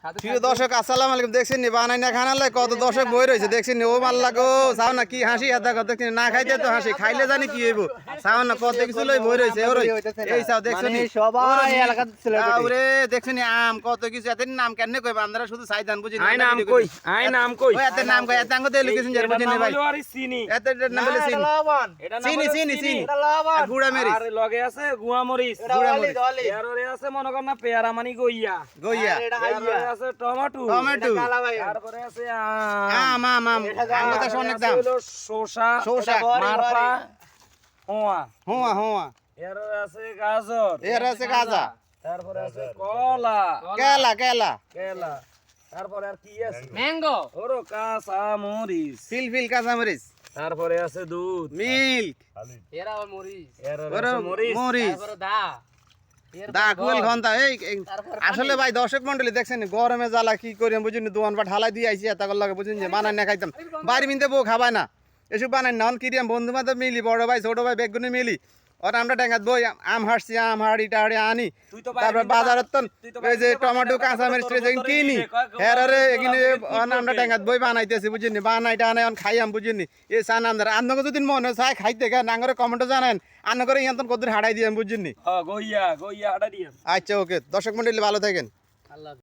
প্রিয় দর্শক আসসালামু আলাইকুম। দেখছেন নি বানাই না খানা লাই কত দর্শক বই রয়েছে, দেখছেন নি ও মাল্লা গো চাও না কি হাসি হাতা কত দেখছেন না খাইতে তো হাসি, খাইলে জানি কি হইব চাও না কত কিছু লই বই রয়েছে। ওরে এই চাও দেখছেন নি সবাই এলাকা সেলিব্রিটি ওরে দেখছেন নি আম কত কিছু এত নাম কেন কই বান্দারা শুধু চাইদান বুঝি না। আই নাম কই ওই এত নাম কই এত আঙ্গ দেই লিখেছেন যার বুঝি না ভাই এত নাম বলে চিনি চিনি এটা লবণ আর গুড়া মেরিচ আর লগে আছে গুয়া মরিচ এর ওরে আছে মনে কর না পেয়ারা মানি গইয়া এর আছে টমেটো তারপরে আছে আম আঙ্গ তো অনেক দাম শসা মারপা হোয়া হোয়া এর আছে গাজর এর আছে গাজা তারপরে আছে কলা কেলা তারপরে আর কি আছে ম্যাঙ্গো ওরো কাঁচা মরিচ ফিল কাঁচা মরিচ তারপরে আছে দুধ মিল্ক এরা আবার মরিচ এর ওরে আছে মরিচ মরিচ তারপরে দা দা কুল ঘন্টা এই আসলে ভাই দর্শক মন্ডলী দেখছেন গরমে জ্বালা কি করি বুঝিনি দোয়ান বা ঢালাই দিয়ে আইছি এত লাগে বুঝিনি যে বানাই না খাইতাম বাড়ি মিনতে বউ খাবায় না এসব বানাই না কিরিয়াম বন্ধু বান্ধব মিলি বড় ভাই ছোট ভাই বেগুনি মিলি ওর আমরা ডেঙ্গাত বই আম হাঁটছি আম হাড়ি টাড়ি আনি তারপর বাজারত ওই যে টমেটো কাঁচা মরিচ কিনি হেরে এখানে আমরা ডেঙ্গাত বই বানাইতেছি বুঝিনি বানাইটা আনে খাইয়াম বুঝিনি এই চান আমরা আন্নকে যদি মনে চাই খাইতে গা নাঙ্গরে কমেন্টও জানেন আন্ন করে ইয়ান্তন কদ্দুর হাড়াই দিয়াম বুঝিনি। গইয়া হাটা দিয়ে আচ্ছা ওকে দর্শক মন্ডলী ভালো থাকেন। আল্লাহ।